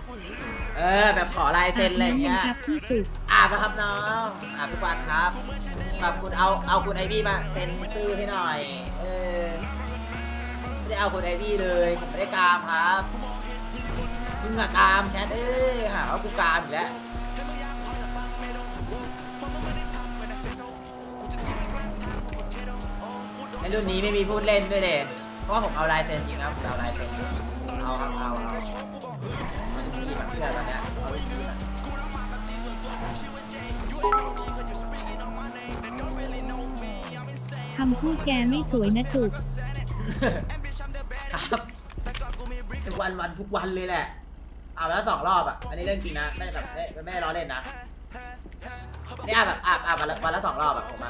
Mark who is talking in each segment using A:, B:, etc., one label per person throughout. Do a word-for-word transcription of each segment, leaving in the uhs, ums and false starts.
A: เออแบบขอลายเซ็นอะไรอย่างเงี้ย
B: ครับพี่สุด
A: อาบนะครับน้องอาบทุกวันครับแบบคุณเอาเอาคุณไอวี่มาเซ็นชื่อให้หน่อยเออไม่ได้เอาคุณไอวี่เลยผมไม่ได้กามครับมึงอะกามแชทเอ้ยหาว่ากูกามอีกแล้วในรุ่นนี้ไม่มีพูดเล่นด้วยเด็เพราะว่าผมเอาลายเซ็นจริงครับผมเอาลายเซ็นเอาครับเอาเอามีแบบเชื่อตอนเนี้ยเอาไปทีมัน
B: คำพูดแกไม่สวยนะจุก
A: ครับทุกวันวันทุกวันเลยแหละอาบแล้วสองรอบอ่ะอันนี้เรื่องจริงนะไม่ได้แบบไม่ไม่ได้ล้อเล่นนะนี่อาบแบบอาบอาบวันละวันละสองรอบแบบผมอ่ะ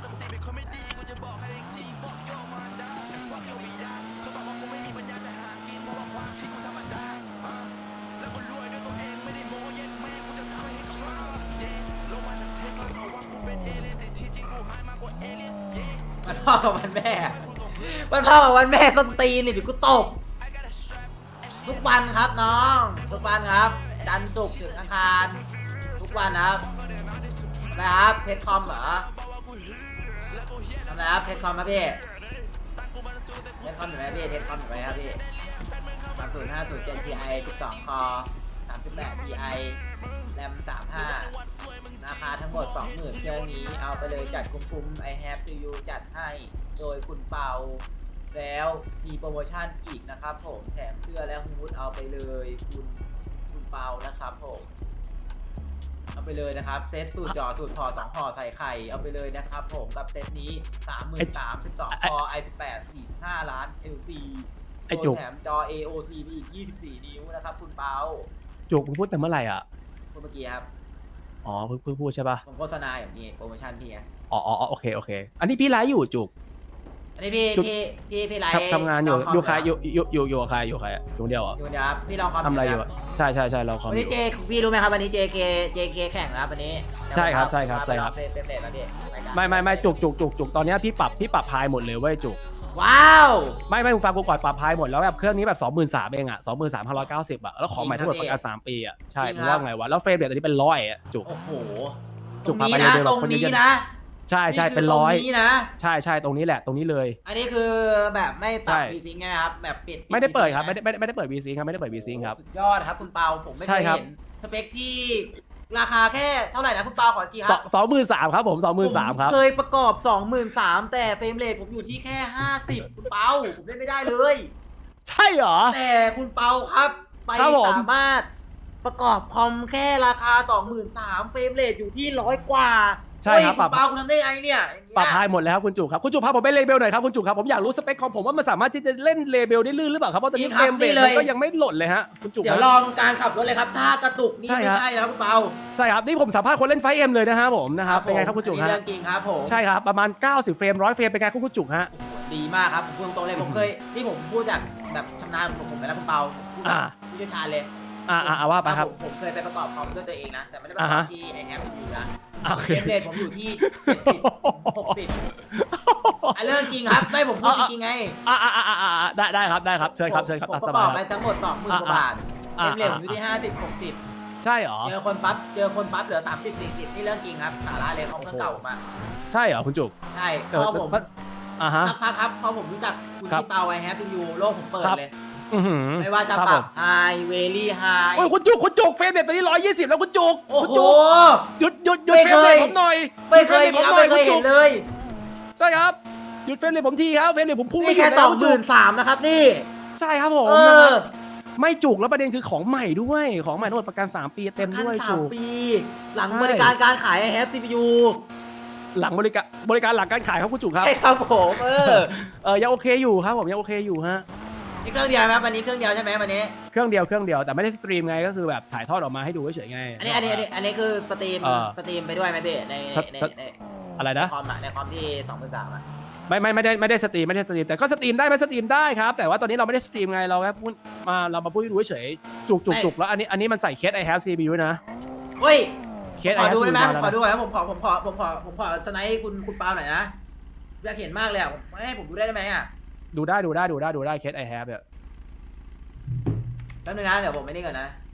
A: มันพ่อกับวันแม่มันพ่อกับวันแม่ส้นตีนนี่เดี๋ยวกูตบทุกวันครับน้องทุกวันครับจันทร์ศุกร์ถึงอังคารทุกวันครับนะครับเทสคอมเหรอทำไมครับเทสคอมครับพี่เทสคอมอยู่ไหมพี่เทสคอมอยู่ไหมครับพี่สามศูนย์ห้าศูนย์เจ็ดทีไอสิบสองคอสามสิบแปดทีไอแรมสามห้าราคาทั้งหมด สองหมื่น เครื่องนี้เอาไปเลยจัดคุ้มๆ I have to you จัดให้โดยคุณเปาแล้วมีโปรโมชั่นอีกนะครับผมแถมเสื้อและฮูดเอาไปเลยคุณคุณเปานะครับผมเอาไปเลยนะครับเซตสูตรจ่อสูตรถอดสองห่อใส่ไข่เอาไปเลยนะครับผมกับเซตนี้ สามหมื่นสามพัน สิบสอง คอ ไอ สิบแปด สี่สิบห้า ล้าน แอล ซี
C: ไอ้จุก
A: แถมจอ เอ โอ ซี ไปอีกยี่สิบสี่นิ้วนะครับคุณเปา
C: จุกมึงพูดแต่เมื่อไหร่อ่ะ
A: พูดเมื่อกี้ครับ
C: อ๋อเพิ่งเพิ่งพูดใช่ป่ะ
A: ผมโฆษณาอย่างนี้โปรโมชั่นพี่ไง
C: อ๋ออ๋อโอเคโอเคอันนี้พี่ไลฟ์อยู่จุก
A: อันนี้พี่
C: จุด
A: พี่พี่พี่ไลฟ์
C: ทำทำงานอยู่
A: ลคม
C: อยู่ใคร
A: เห
C: อยู่อยู่อยู่อยู่กับใครอยู่กับใครอะอยู่คนเดียวเหรอ
A: อยู่เดี๋ยวครับพี่ลองคอม
C: ทำอะไรอยู่
A: ค
C: อะใช่ใช่ใช่เราคอม
A: วัน
C: อ
A: นี้
C: ยู่
A: เจพี่รู้ไหมครับวันนี้ เจ เค เจ เค แข่งนะครับวันนี้
C: ใช่ครับใช่ครับใช่ครับ
A: เต็มเต็มเต็มแล้วพี่
C: ไม่ไม่ไม่จุกจุกจุกจุกตอนเนี้ยพี่ปรับพี่ปรับพายหมดเลยเว้ยจุก
A: ว้าว
C: ไม่ไม่มึงฟังกูก่อนปรับพายหมดแล้วแบบเครื่องนี้แบบสองหมื่นสามเองอ่ะสองหมื่นสามพันร้อยเก้าสิบอ่ะแล้วของใหม่ทั้งหมดประกันสามปีอ่ะใช่มึงว่าไงวะแล้วเฟรมเรทตอนนี้เป็นร้อยอ่ะจุก
A: โอ้โห
C: จุ
A: ตร
C: ก
A: ง
C: พา
A: นี้
C: ไป
A: นะ
C: เร็วๆ
A: ตรง
C: คนเย
A: นี้
C: อะ
A: นะ
C: ใช่ใช่
A: นี่คื
C: เป็นร้อย
A: ตงนี้นะ
C: ใช่ใช่ตรงนี้แหละตรงนี้เลย
A: อันนี้คือแบบไม่ปรับ
C: ใช่
A: วีซิงค์นะครับแบบปิด
C: ไม่ได้เปิดครับ
A: นะ
C: ไม่ได้ไม่ได้ไม่ได้เปิดวีซิงครับไม่ได้เปิดวีซิงครับ
A: สุดยอดครับคุณเปาผมไม่
C: ใช่
A: เคย
C: ครับ
A: เห็นสเปคที่ราคาแค่เท่าไหร่นะคุณเปาขอจีค
C: ส
A: รั
C: อบ งสองหมื่นสามครับผมสองหมื่นสามครับ
A: เคยประกอบ สองหมื่นสามพัน แต่เฟรมเรทผมอยู่ที่แค่ ห้าสิบ คุณเปาผมเล่นไม่ได้เลย
C: ใช่เหรอ
A: แต่คุณเปาครับ ไป
C: ครับผม
A: สามารถประกอบคอมแค่ราคา สองหมื่นสามพัน เฟรมเรทอยู่ที่ร้อยกว่า
C: ใช่ครับ
A: เฮ้ย
C: ป
A: คุ
C: รับ
A: ณเปาคุณทำได้ไงเนี่ยอย่างเงี้ย
C: ปรับพายหมดแล้วครับคุณจุกครับคุณจุกพาผมไปเลเบลหน่อยครับคุณจุกครับผมอยากรู้สเปคคอมผมว่ามันสามารถที่จะเล่นเลเบลได้ลื่นหรือเปล่าครับเพราะตอนนี้เฟรมเรทมันก็ยังไม่หล่นเลยฮะคุณจุก
A: เดี๋ยวลองการขับรถเลยครับ ถ้ากระตุกนี่
C: ใช่
A: ไม่
C: ครับ
A: ใช่นะครับคุณเปา
C: ใช่ครับนี่ผมสัมภาษณ์คนเล่นไฟเอ็มเลยนะฮะผมนะครับเป็นไงครับคุณจุก
A: อันนี้
C: ฮะ
A: เรื่องจริงครับผม
C: ใช่ครับประมาณเก้าสิบเฟรมร้อยเฟรมเป็นไงครับคุณจุกฮะ
A: โอ้โหดีมากครับผมพูดตรงๆเลยผมเคยที่ผมพูดจากแบบชำนาญของผมไปแล้วคุณเปาพูดแบบ
C: อ่า
A: ผู้เชี่ยวชาญเลย
C: อ่าอ่าว่าไปครับ
A: ผมผมเคยไปประกอบคอมด้วยตัวเองนะแต่ไม่ได้ประก
C: อ่า
A: อบ
C: ฮะ
A: ที่ไอแอปอยู่นะ
C: โอเค
A: เฟรมเรทผมอยู่ที่เจ็ดสิบหกสิบอ่ะเรื่องจริงครับไม่ผมพูดจริงๆไง
C: อ่าอ่าอ่าอ่าได้ได้ครับได้ครับเชิญครับเชิญครับ
A: ผม
C: อ่ะ
A: ป
C: ส
A: ระก
C: บา
A: อย บ
C: ค
A: ไป
C: รับ
A: ทั้งหมดสองหมื่นกว่าบาท
C: อ่า
A: เฟรมเรทผมอยู่ที่ห้าสิบหกสิบ
C: ใช่เหรอ
A: เจอคนปั๊บเจอคนปั๊บเหลือสามสิบสี่สิบนี่เรื่องจริงครับสาระเลยของเครื่องเก่าผมอะ
C: ใช่เหรอคุณจุก
A: ใช่
C: เออ
A: พอผม
C: อ่าฮะ
A: สักพักครับพอผมรู้จักคุณ
C: ครับ
A: พี่เปาไอแฮปปี้ยูโลกผมเปิด
C: ครับ
A: เลย
C: อือหือ
A: ไม่ว่าจะ
C: ครับ
A: ปรั
C: ผ
A: บ
C: ม
A: ไฮเวลี่ไฮ
C: โอ้ยคุณจุกคุณจุกเฟรมเรทตอนนี้ร้อยยี่สิบแล้วคุณจุก
A: โอ้
C: คุณ
A: โห
C: จุกหยุดหยุดหยุด
A: ไม่
C: เฟร
A: เค
C: มเร
A: ย
C: ทผมหน่อย
A: ไม่เคย
C: ห
A: จริ
C: ยุ
A: ง
C: ด
A: ครับ
C: เฟร
A: ไม่
C: ม
A: เค
C: เรทผมหน่อยคุณจุก
A: ยเห็นเลย
C: ใช่ครับหยุดเฟรมเรทผมทีครับเฟรมเรทผมพุ่ง
A: นี่
C: ไม่หยุ
A: แค่
C: ด
A: ส
C: แล้
A: อ
C: ว
A: ง
C: คุณ
A: ห
C: จุ
A: มื่
C: ก
A: นสามนะครับนี่
C: ใช่ครับผม
A: เอ
C: นะ
A: อ
C: ครับไม่จุกแล้วประเด็นคือของใหม่ด้วยของใหม่ทั้งหมดประกันสามปีเต็ม
A: ขั้น
C: ด้วย
A: สา
C: จุ
A: ม
C: ก
A: ปี หลัง
C: ใช่
A: บริการการขายไอแฮปซีพียู
C: หลังบริการบริการหลังการขายครับคุณจุกครับ
A: ใช่ครับผมเออ
C: เออยังโอเคอยู่ครับผมยังโอเคอยู่ฮะ
A: นี่เครื่องเดียวไหมวันนี้เครื่องเดียวใช่ไหมวันนี้
C: เครื่องเดียวเครื่องเดียวแต่ไม่ได้สตรีมไงก็คือแบบถ่ายทอดออกมาให้ดูเฉยๆไง
A: อันนี้อันนี้อันนี้อันนี้คือสตรีม
C: เออ
A: สตรีมไปด้วยไหมพี่ใน
C: ส
A: ใน
C: ส
A: ใน
C: อะไร
A: ใน
C: นะ
A: คอมอะในคอมที่สองหมื่นสามอะ
C: ไม่ไม่ไม่ได้ไม่ได้สตรีมไม่ได้สตรีมแต่ก็สตรีมได้ไหมสตรีมได้ครับแต่ว่าตอนนี้เราไม่ได้สตรีมไงเราแค่พูดมาเรามาพูดให้ดูเฉยๆจุกจุกจุกแล้วอันนี้อันนี้มันใส่เคส I have ซี พี ยู นะ
A: เฮ้ย
C: เคส
A: ข
C: I
A: อ
C: have
A: ดู
C: ซี
A: ได้ไหม
C: พี ยู
A: ผมขอดูหน่อยนะผมขอผมขอผมขอผมขอสไนป์คุณคุณปาหน่อยนะอยากเห็นมากเลยอะให้ผมดูได้ไหมอะ
C: ดูได้ดูได้ดูได้ดูได้เคส I have เนี่ย
A: แป๊บนึงนะเดี๋ยวผมไม่ได้ก่อนนะ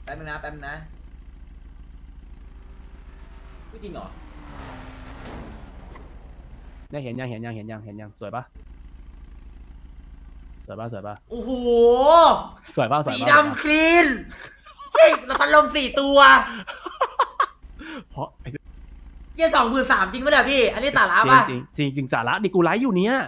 A: แป๊บนึงนะแป๊บนึงนะพูดจริงเหรอ
C: เนี่ยเห็นยังเห็นยังเห็นยังเห็นยังสวยปะสวยปะสวยปะ
A: โอ้โห
C: สวยปะสวย
A: สี
C: ปะ
A: ดำคลีนเฮ้ยแล้วพัดลมสี่ตัว
C: เพราะไอ้
A: เยี่ยสองหมื่นสามจริงปะเนี่ยพี่ อันนี้สาระป่ะ
C: จริงจริงจริงสาระดิกูไลฟ์อยู่เนี้ย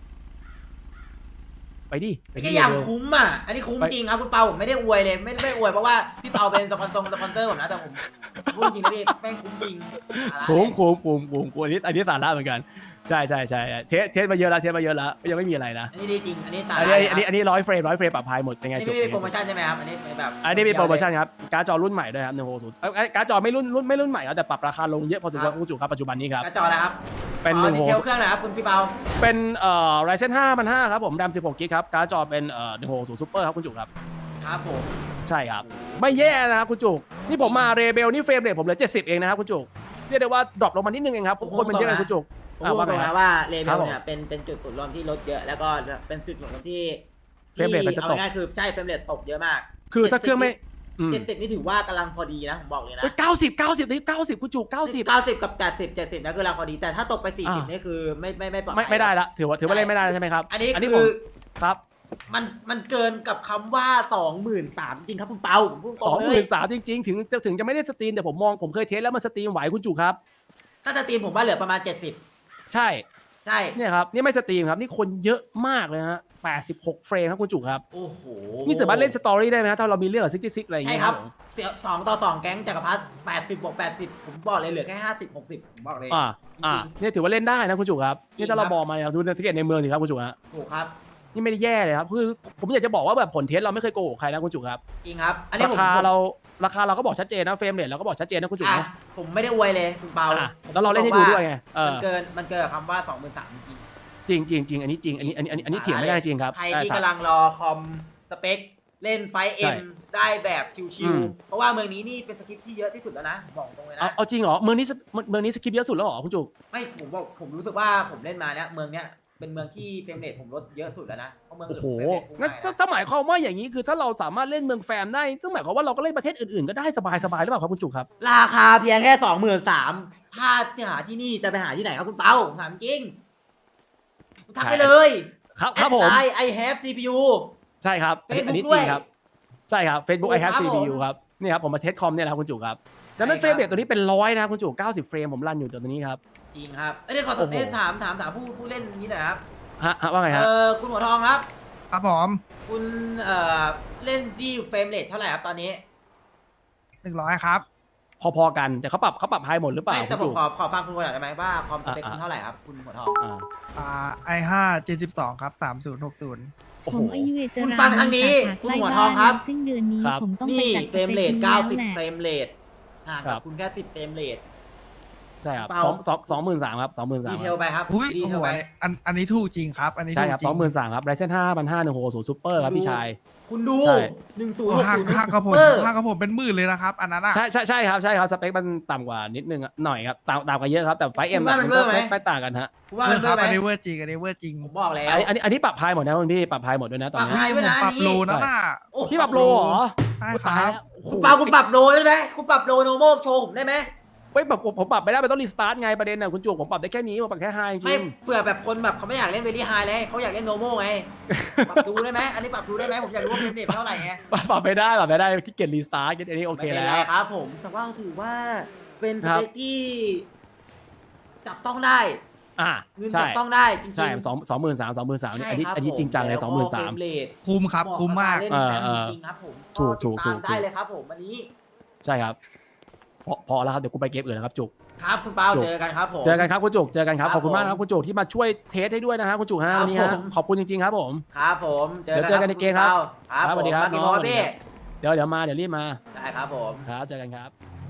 C: ไปดิไป
A: ไอ้
C: ดิ
A: เหี้ยอย่าง
C: เร็ว
A: คุ้มอ่ะ อันนี้คุ้มจริงครับคุณเปาผมไม่ได้อวยเลย ไม่ไม่อวยเพราะว่าพี่เปาเป็นสปอนเซอร์สปอนเซอร์ผมนะแต่ผมพูดจริงนะพี่แม่งคุ้มจริงสาระ
C: คุ้มคุ้มคุ้มคุ้มคุ้มอันนี้อันนี้สาระเหมือนกันใช่ใช่ใช่เทสเทสมาเยอะแล้วเทสมาเยอะแล้วยังไม่มีอะไรนะ
A: อันนี้ดีจริง อันนี้สา
C: อัน
A: ระ
C: นี้อันนี้อันนี้ร้อยเฟรมร้อยเฟรมปรับพายหมดเป็นไง
A: อันนี้
C: จุก
A: ไม่มีโปรโมชั่นใช่ไหมครับ อันนี้แบบ
C: อันนี้มีโปรโมชั่นครับการ์ดจอรุ่นใหม่ด้วยครับหนึ่งหกศูนย์การ์ดจอไม่รุ่นรุ่นไม่รุ่นใหม่แล้วแต่ปรับราคาลงเยอะพอสมควรคุณจุกครับปัจจุบันนี้ครับ
A: กระจอแล้วครับ
C: เป็น
A: อ๋
C: ห
A: อ
C: นึ่ง
A: ดี
C: ห
A: เทล
C: ก
A: เครื่องหนะครับคุณพี่เปา
C: เป็นเอ่อ Ryzen ห้าพันห้าครับผมแรมสิบหกกิกครับการ์ดจอเป็นเอ่อหนึ่งหกศูนย์ซูเปอร์ครับคุณจุกครับ
A: ครับผม
C: ใช่ครับไม่แย่นะครับคุณจุกนี่ผมมาเรเบลนี่เฟรมเรทผมเหลือเจ็ดสิบเองนะครับคุณจุกเรียกได้ว่าดรอปลงมานิดนึงเองครับคนมันเยอะเลยคุณจุก
A: ผมพูดตรงนะว่าเลเว
C: ครับ
A: ล
C: ผม
A: เนี่ยเป็นเป็นจุดศูนย์รวมที่ลดเยอะแล้วก็เป็นจุดศูนย์รวมที่
C: เฟรมเรทมันจะตก
A: เอาง่ายๆคือใช่เฟรมเรทตกเยอะมาก
C: คือถ้าเครื่องไม่อืม
A: เจ็ดสิบนี่ถือว่ากำลังพอดีนะผมบอกเลยนะ
C: เก้าสิบเก้าสิบนี่เก้าสิบคุณจุกเก้าสิบ
A: เก้าสิบกับแปดสิบเจ็ดสิบนะคือกำลังพอดีแต่ถ้าตกไปสี่สิบ
C: อ่า
A: นี่คือไม่ไม่ไม่ปลอด
C: ไม่
A: ภัย
C: ไม่ได้ละถือว่าถือว่าเล่นไม่ได้แล้วใช่ไหมครับ
A: อันนี้
C: นี้
A: คื
C: ผม
A: อ
C: ครับ
A: มันมันเกินกับคำว่าสองหมื่นสามจริงครับคุณเปาผมพูดตร
C: สอง
A: ง
C: ห
A: เล
C: มื่
A: ย
C: นสามจริงๆ ถึงถึงจะไม่ได้สตรีมแต่ผมมองผมเคยเทสแล้วมันสตรีมไหวคุณจุกครับ
A: ถ้าจะตีมผมว่าเหลือประมาณเจ็ดสิบ
C: ใช่
A: ใช่
C: เนี่ยครับนี่ไม่สตรีมครับนี่คนเยอะมากเลยฮะแปดสิบหกเฟรมครับคุณจุกครับ
A: โอ้โห
C: นี่สามารถเล่นสตอรี่ได้ไหมฮะถ้าเรามีเรื่องกับซิกซิกอะไรอย่าง
A: ใช่
C: เงี้ย
A: ครับ
C: ผม
A: เสียสองต่อสองแก๊งจักรพรรดิแปดสิบบวกแปดสิบผมบอกเลยเหลือแค่ห้าสิบหกสิบผมบอกเลย
C: อ่าอ่า
A: จริง
C: เนี่ยถือว่าเล่นได้นะคุณจุกครับนี่ถ้าเราบอกมาเนี่ยดูในทิเก็ตในเมืองสิครับคุณจุกฮะ
A: ถูกครับ
C: นี่ไม่ได้แย่เลยครับคือผมอยากจะบอกว่าแบบผลเทสเราไม่เคยโกหกใครนะคุณจุกครับ
A: จริงครับ อันนี้
C: รา
A: ผม
C: คา
A: ผม
C: เราราคาเราก็บอกชัดเจนนะเฟรมเรทเราก็บอกชัดเจนนะคุณจุก
A: อ่ะ
C: นะ
A: ผมไม่ได้อวยเลยคุณเปา
C: อ่ะแล้วเราเล่นให้ดูด้วยไงเอ
A: มัน
C: อ
A: เกินมันเกินกับคำว่าสองหมื่นสามจริง
C: จริงจริงจริงอันนี้จริงอันนี้อันนี้อันนี้อันนี้เถียงไม่ได้จริงครับ
A: ใคร
C: เออ
A: ที่
C: สาม
A: กำลังรอคอมสเปคเล่นไฟเอ็
C: ใช่
A: มได้แบบชิ
C: อื
A: ว
C: ม
A: ๆเพราะว่าเมืองนี้นี่เป็นสคริปต์ที่เยอะที่สุดแล้วนะบอกตรงเลย
C: เอา
A: นะ
C: เอาจริงเหรอเมืองนี้สเมืองนี้สคริปต์เยอะสุดแล้วเหรอคุณจุก
A: ไม่ผมบอกผมรู้สึกว่าผมเล่นมาเนี้ยเมืองเนี้ยเป็นเมืองที่เฟรมเรทผมลดเยอะสุดแล้วนะเพราะเมือง
C: โอ้
A: อื่น
C: โห
A: เฟรมเรทพุ่ง
C: งั้น
A: ไปนะ
C: ถ้าหมายความว่าอย่างนี้คือถ้าเราสามารถเล่นเมืองแฟมได้ต้องหมายความว่าเราก็เล่นประเทศอื่นๆก็ได้สบายๆหรือเปล่าครับคุณจุกครับ
A: ราคาเพียงแค่สองหมื่นสามถ้าจะหาที่นี่จะไปหาที่ไหนครับคุณเปาถามจริงทักไปเลย
C: ครับครับผม
A: ไอไอแฮปซีพียู
C: ใช่ครับอันนี้อันนี้
A: Facebook
C: จริงครับใช่ครับ Facebook
A: โอ้
C: I have
A: ครับ
C: ซี
A: ผม
C: พี ยู ครับนี่ครับผมมาเทสคอมเนี่ยนะครับคุณจุกครับดังนั้น
A: ใช่
C: เฟ
A: ค
C: ร
A: รับ
C: มเรทตัวนี้เป็นร้อยนะครับคุณจุกเก้าสิบเฟรมผมรันอยู่ตัวนี้ครับ
A: จริงครับเอ้ยเดี๋ยวขอ
C: โอ้โห
A: เอ้ยถามถามถามผู้ผู้เล่นนี้หน่อยครับ
C: ฮะฮะว่าไง
A: เอ
C: ฮะ
A: อคุณหัวทองครับ
D: ครับผม
A: คุณเอ่อเล่นที่เฟรมเรทเท่าไหร่ครับตอนนี้
D: หนึ่งร้อยครับ
C: พอๆกันแต่เขาปรับเขาปรับไฮหมดหรือเปล่า
A: ไม่
C: คุ
A: แต่
C: ณ
A: ผ
C: จุ
A: ม
C: ก
A: ขอขอฟังคุณก่อนหน่อยได้ไหมว่าคอมสเปค
C: อ่า
A: คุณเท่าไหร่ครับคุณหัวทอง
C: อ่า
D: อ่าไอห้าเจ็ดสิบสองครับสามศูนย์หกศูนย์
C: โอ้
B: ผ
C: โห
B: มอายุเวท
A: คุณฟังทางนี้คุณหัวทองครับ
B: ซึ่งเดือนนี้
C: ครับ
B: ผมต้องไป
A: นี่
B: จัด
A: เฟรมเรท
B: สปค
A: เก้า
B: แล้ว
A: สิบ
B: แหละ
A: เฟรมเรทห่าง
C: ครั
A: กับบ คุณแค่สิบเฟรมเรท
C: ใช่ครับ
A: เปล่า
C: สองสองสองหมื่นสามครับสองหมื่นสาม
A: ดีเทลไปครับ
D: อุ้ย
A: ดี
D: โอ้
A: เท
D: โห
A: ลไป
D: อันนี้อันอันนี้ถูกจริงครับ อันนี้
C: ใช่
D: ถูก
C: ครับ
D: จริ
C: สองหมื่นสามครับไรเซนห้าพันห้าหนึ่งหกศูนย์ซูเปอร์ครับพี่ชาย
A: คุณดู
C: ใช่
A: หนึ่งศูนย์
D: โอ้
A: หก
D: ห้า
A: ศูนย์
D: ห้ากระผม
A: เออ
D: ห้ากระผมเป็นหมื่นเลยนะครับ อันนั้นอ่ะ
C: ใช่ใช่ใช่ครับใช่ครับสเปคมันต่ำกว่านิดนึงอะหน่อยครับต่ำต่ำกว่าเยอะครับแต่ไฟเอ็ม
A: คุณว่ามันเวอร์ไหม
C: ไม่ไม่ต่างกันฮะ
A: คุณว่า
D: เอ
A: มั
D: อน ค
A: เวอ
D: รับ
A: ร์ไหม
D: อันนี้เวอร์จริงอันนี้เวอร์จริง
A: ผมบอกแล้ว
C: อันนี้อันนี้อันนี้ปรับไฮหมดนะคุณพี่ปรับไฮหมดด้วยนะตอน
A: ปรับ
C: นี้
A: ไฮ
D: ผมปรับโลนะน่ะ
A: โอ้โห
C: พี่ปรับโลเหรอ
D: ใช่
C: โอ้
D: ค
C: ตาย
D: รับ
C: แล้วโอ้โห
A: คุณเปาคุณปรับโลได้ไหมคุณปรับโลโนโมโชว์ผมได้ไหม
C: เฮ้ยแบบผมผมปรับไม่ได้มันต้องรีสตาร์ทไงประเด็นน่ะคุณจุกผมปรับได้แค่นี้ผมปรับแค่ไฮจ
A: ไม่
C: ริง
A: เผื่อแบบคนแบบเขาไม่อยากเล่นเวลี่ไฮเลยเขาอยากเล่นโนโมไง ปรับดูได้ไหมอันนี้ปรับดูได้ไหมผมอยากรู้ว่าเฟรมเรทเท่าไหร่ไง
C: ปรับปรับไม่ได้ปรับไม่ได้ที่เกียจรีสตาร์ทอันนี้โอเค
A: ไม่เป็น
C: แล้
A: ไร
C: ว
A: ครับผมแต่ว่าถือว่าเป็นส
C: ครับ
A: เปคที่จับต้องได้
C: อ่า
A: เงิน
C: ใช่
A: จับต้องได้จริงๆ
C: ใช่สองสองหมื่นสามสองหมื่นสาม
A: ใช่
C: อันนี้
A: ครับ
C: อันนี้
A: ผ
C: จริงจังเลย
A: แว
C: สองหมื่นสาม
A: เฟรเรท
D: คุ้มครับ
A: เหะ
D: คุ้มมาก
A: บเล่น
C: เออ
A: แฟม
C: เออ
A: จริงๆครับผม
C: ถูกถูก
A: ติดตาม
C: ถูก
A: ได้เลยครับผมวันนี้
C: ใช่ครับพอพอแล้วครับเดี๋ยวกูไปเกมอื่นนะครับจุก
A: ครับคุณเปา
C: จุก
A: เจอกันครับผม
C: เจอกันครับคุณจุกเจอกันครับ
A: ค
C: ข
A: รับ
C: อบคุณมากนะครับ
A: ผม
C: คุณจุกที่มาช่วยเทสให้ด้วยนะฮะคุณจุกฮะ
A: ครับ
C: วันนี้ฮะ
A: ผม
C: ขอบคุณจริงๆครับผม
A: ครับผมเจอ
C: เดี๋ยวเจอกันในเกมครับ
A: ครับ
C: ครับ
A: ผม
C: สวัสดีครับ
A: มากี่
C: น้
A: โม
C: อง
A: งครับพี่
C: เดี๋ยวเดี๋ยวมาเดี๋ยวรีบมา
A: ได้ครับผม
C: ครับเจอกันครับ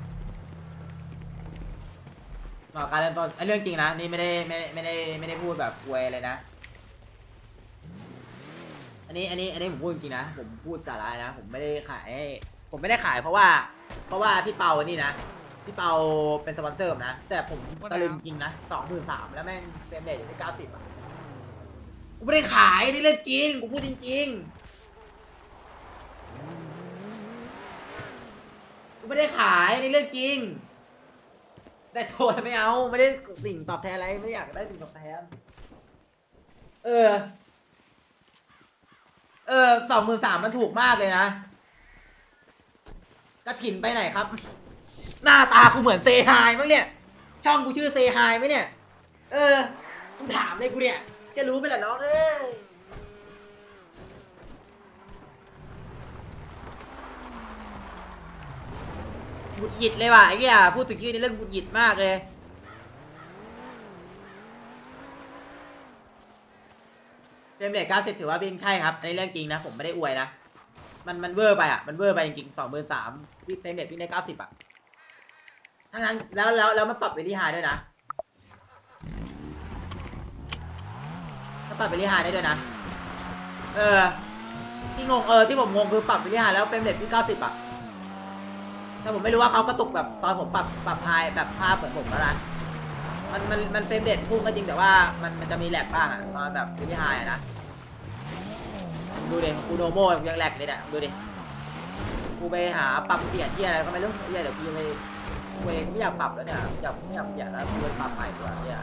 A: ต่อการเริ่มต้นไอ้เรื่องจริงนะนี่ไม่ได้ไม่ได้ไม่ได้ไม่ได้พูดแบบอวยเลยนะ อันนี้อันนี้อันนี้ผมพูดจริงๆนะผมพูดสาระนะผมไม่ได้ขายให้ผมไม่ได้ขายเพราะว่า เพราะว่าพี่เปาอันนี้นะพี่เปาเป็นสปอนเซอร์ผมนะแต่ผมตะลึงจริงนะสองหมื่นสามแล้วแม่งเฟรมเรทอยู่ที่เก้าสิบอ่ะกูไม่ได้ขายนี่เรื่องจริงกูพูดจริงๆไม่ได้ขายในเรื่องจริง แต่โทษไม่เอาไม่ได้สิ่งตอบแทนอะไรไม่อยากได้สิ่งตอบแทนเออ เออสองหมื่นสามมันถูกมากเลยนะกระถินไปไหนครับ หน้าตากูเหมือนเซฮายมั้งเนี่ย ช่องกูชื่อเซฮายไหมเนี่ย เออมึงถามเลยกูเนี่ย จะรู้ไปแหละน้องเอ้ยหงุดหงิดเลยว่ะไอ้เหี้ยพูดถึงชื่อในเรื่องหงุดหงิดมากเลยเฟรมเรทเก้าสิบถือว่าวิ่งใช่ครับในเรื่องจริงนะ ผมไม่ได้อวยนะ มันมันเวอร์ไปอ่ะ มันเวอร์ไปจริงๆสองหมื่นสามที่เฟรมเรทวิ่งได้เก้าสิบอ่ะทั้งนั้นแล้วแล้วแล้วมันปรับเวลี่ไฮด้วยนะมันปรับเวลี่ไฮได้ด้วยนะ เออ ที่งงเออที่ผมงงคือปรับเวลี่ไฮแล้วเฟรมเรทวิ่งเก้าสิบอ่ะแต่ผมไม่รู้ว่าเขากระตุกแบบตอนผมปรับปรับไฮแบบภาพเหมือนผมแล้วนะ มันมันมันเฟรมเรทพุ่งก็จริงแต่ว่ามันมันจะมีแหลกบ้างอ่ะตอนแบบเวลี่ไฮอ่ะนะ ดูดิกูโนโมยังแหลกเลยเนี่ยดูดิกูไปหาปรับเปลี่ยนที่อะไรก็ไม่รู้เฮียเดี๋ยวกูยังไม่กูเองไม่อยากปรับแล้วเนี่ยอยากไม่อยากเปลี่ยนแล้วกูไปปรับใหม่ดีกว่าเนี่ย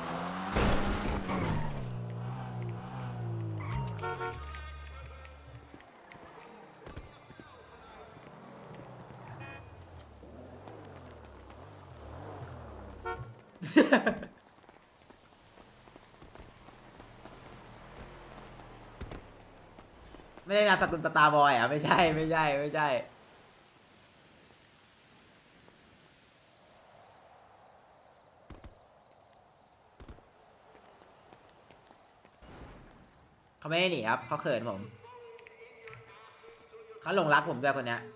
A: ไม่ได้งานสกุลสตาร์บอยอ่ะไม่ใช่ไม่ใช่ไม่ใช่เขาไม่ได้หนีครับเขาเขินผมเขาหลงรักผมด้วยคนเนี้ย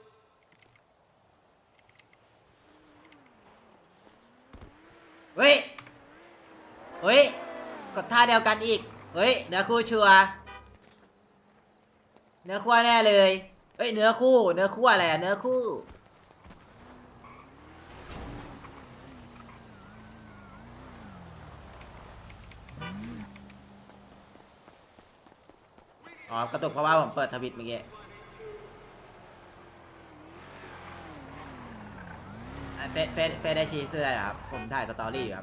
A: เฮ้ยเฮ้ยกดท่าเดียวกันอีกเฮ้ยเนื้อคู่ชัวร์เนื้อคู่แน่เลยเฮ้ยเนื้อคู่เนื้อคู่อะไรอะเนื้อคู่อ๋อกระตุกเพราะว่าผมเปิดทวิตเมื่อกี้อ่ะเฟซเฟซเฟซได้ชี้เสื้อเหรอครับผมถ่ายสตอรี่อยู่ครับ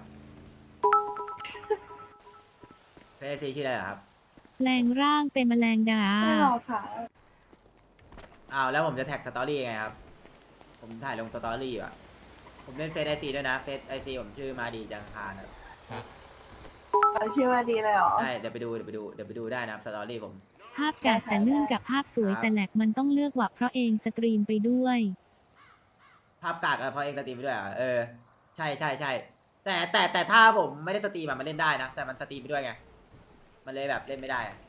A: เฟซได้ชี้ชื่ออะไรเหรอครับ
B: แปลงร่างเป็นแมลงดา
E: ไม่หรอกค่ะ
A: อ้าวแล้วผมจะแท็กสตอรี่ยังไงครับผมถ่ายลงสตอรี่อยู่อะผมเล่นเฟซไอซีด้วยนะเฟซไอซีผมชื่อมาดีจังคารครับ
E: ชื่อว่าดีเลยเหรอ
A: ใช่เดี๋ยวไปดูเดี๋ยวไปดูเดี๋ยวไปดูได้นะครับสตอรี่ผม
B: ภาพกาดแต่เนื่องกับภาพสวยแต่แหลกมันต้องเลือกว่ะเพราะเองสตรีมไปด้วย
A: ภาพกากอะเพราะเองสตรีมไปด้วยเหรอ่ะเออใช่ใช่ใช่แต่แต่แต่ถ้าผมไม่ได้สตรีมอะมันเล่นได้นะแต่มันสตรีมไปด้วยไงมันเลยแบบเล่นไม่ได้อะ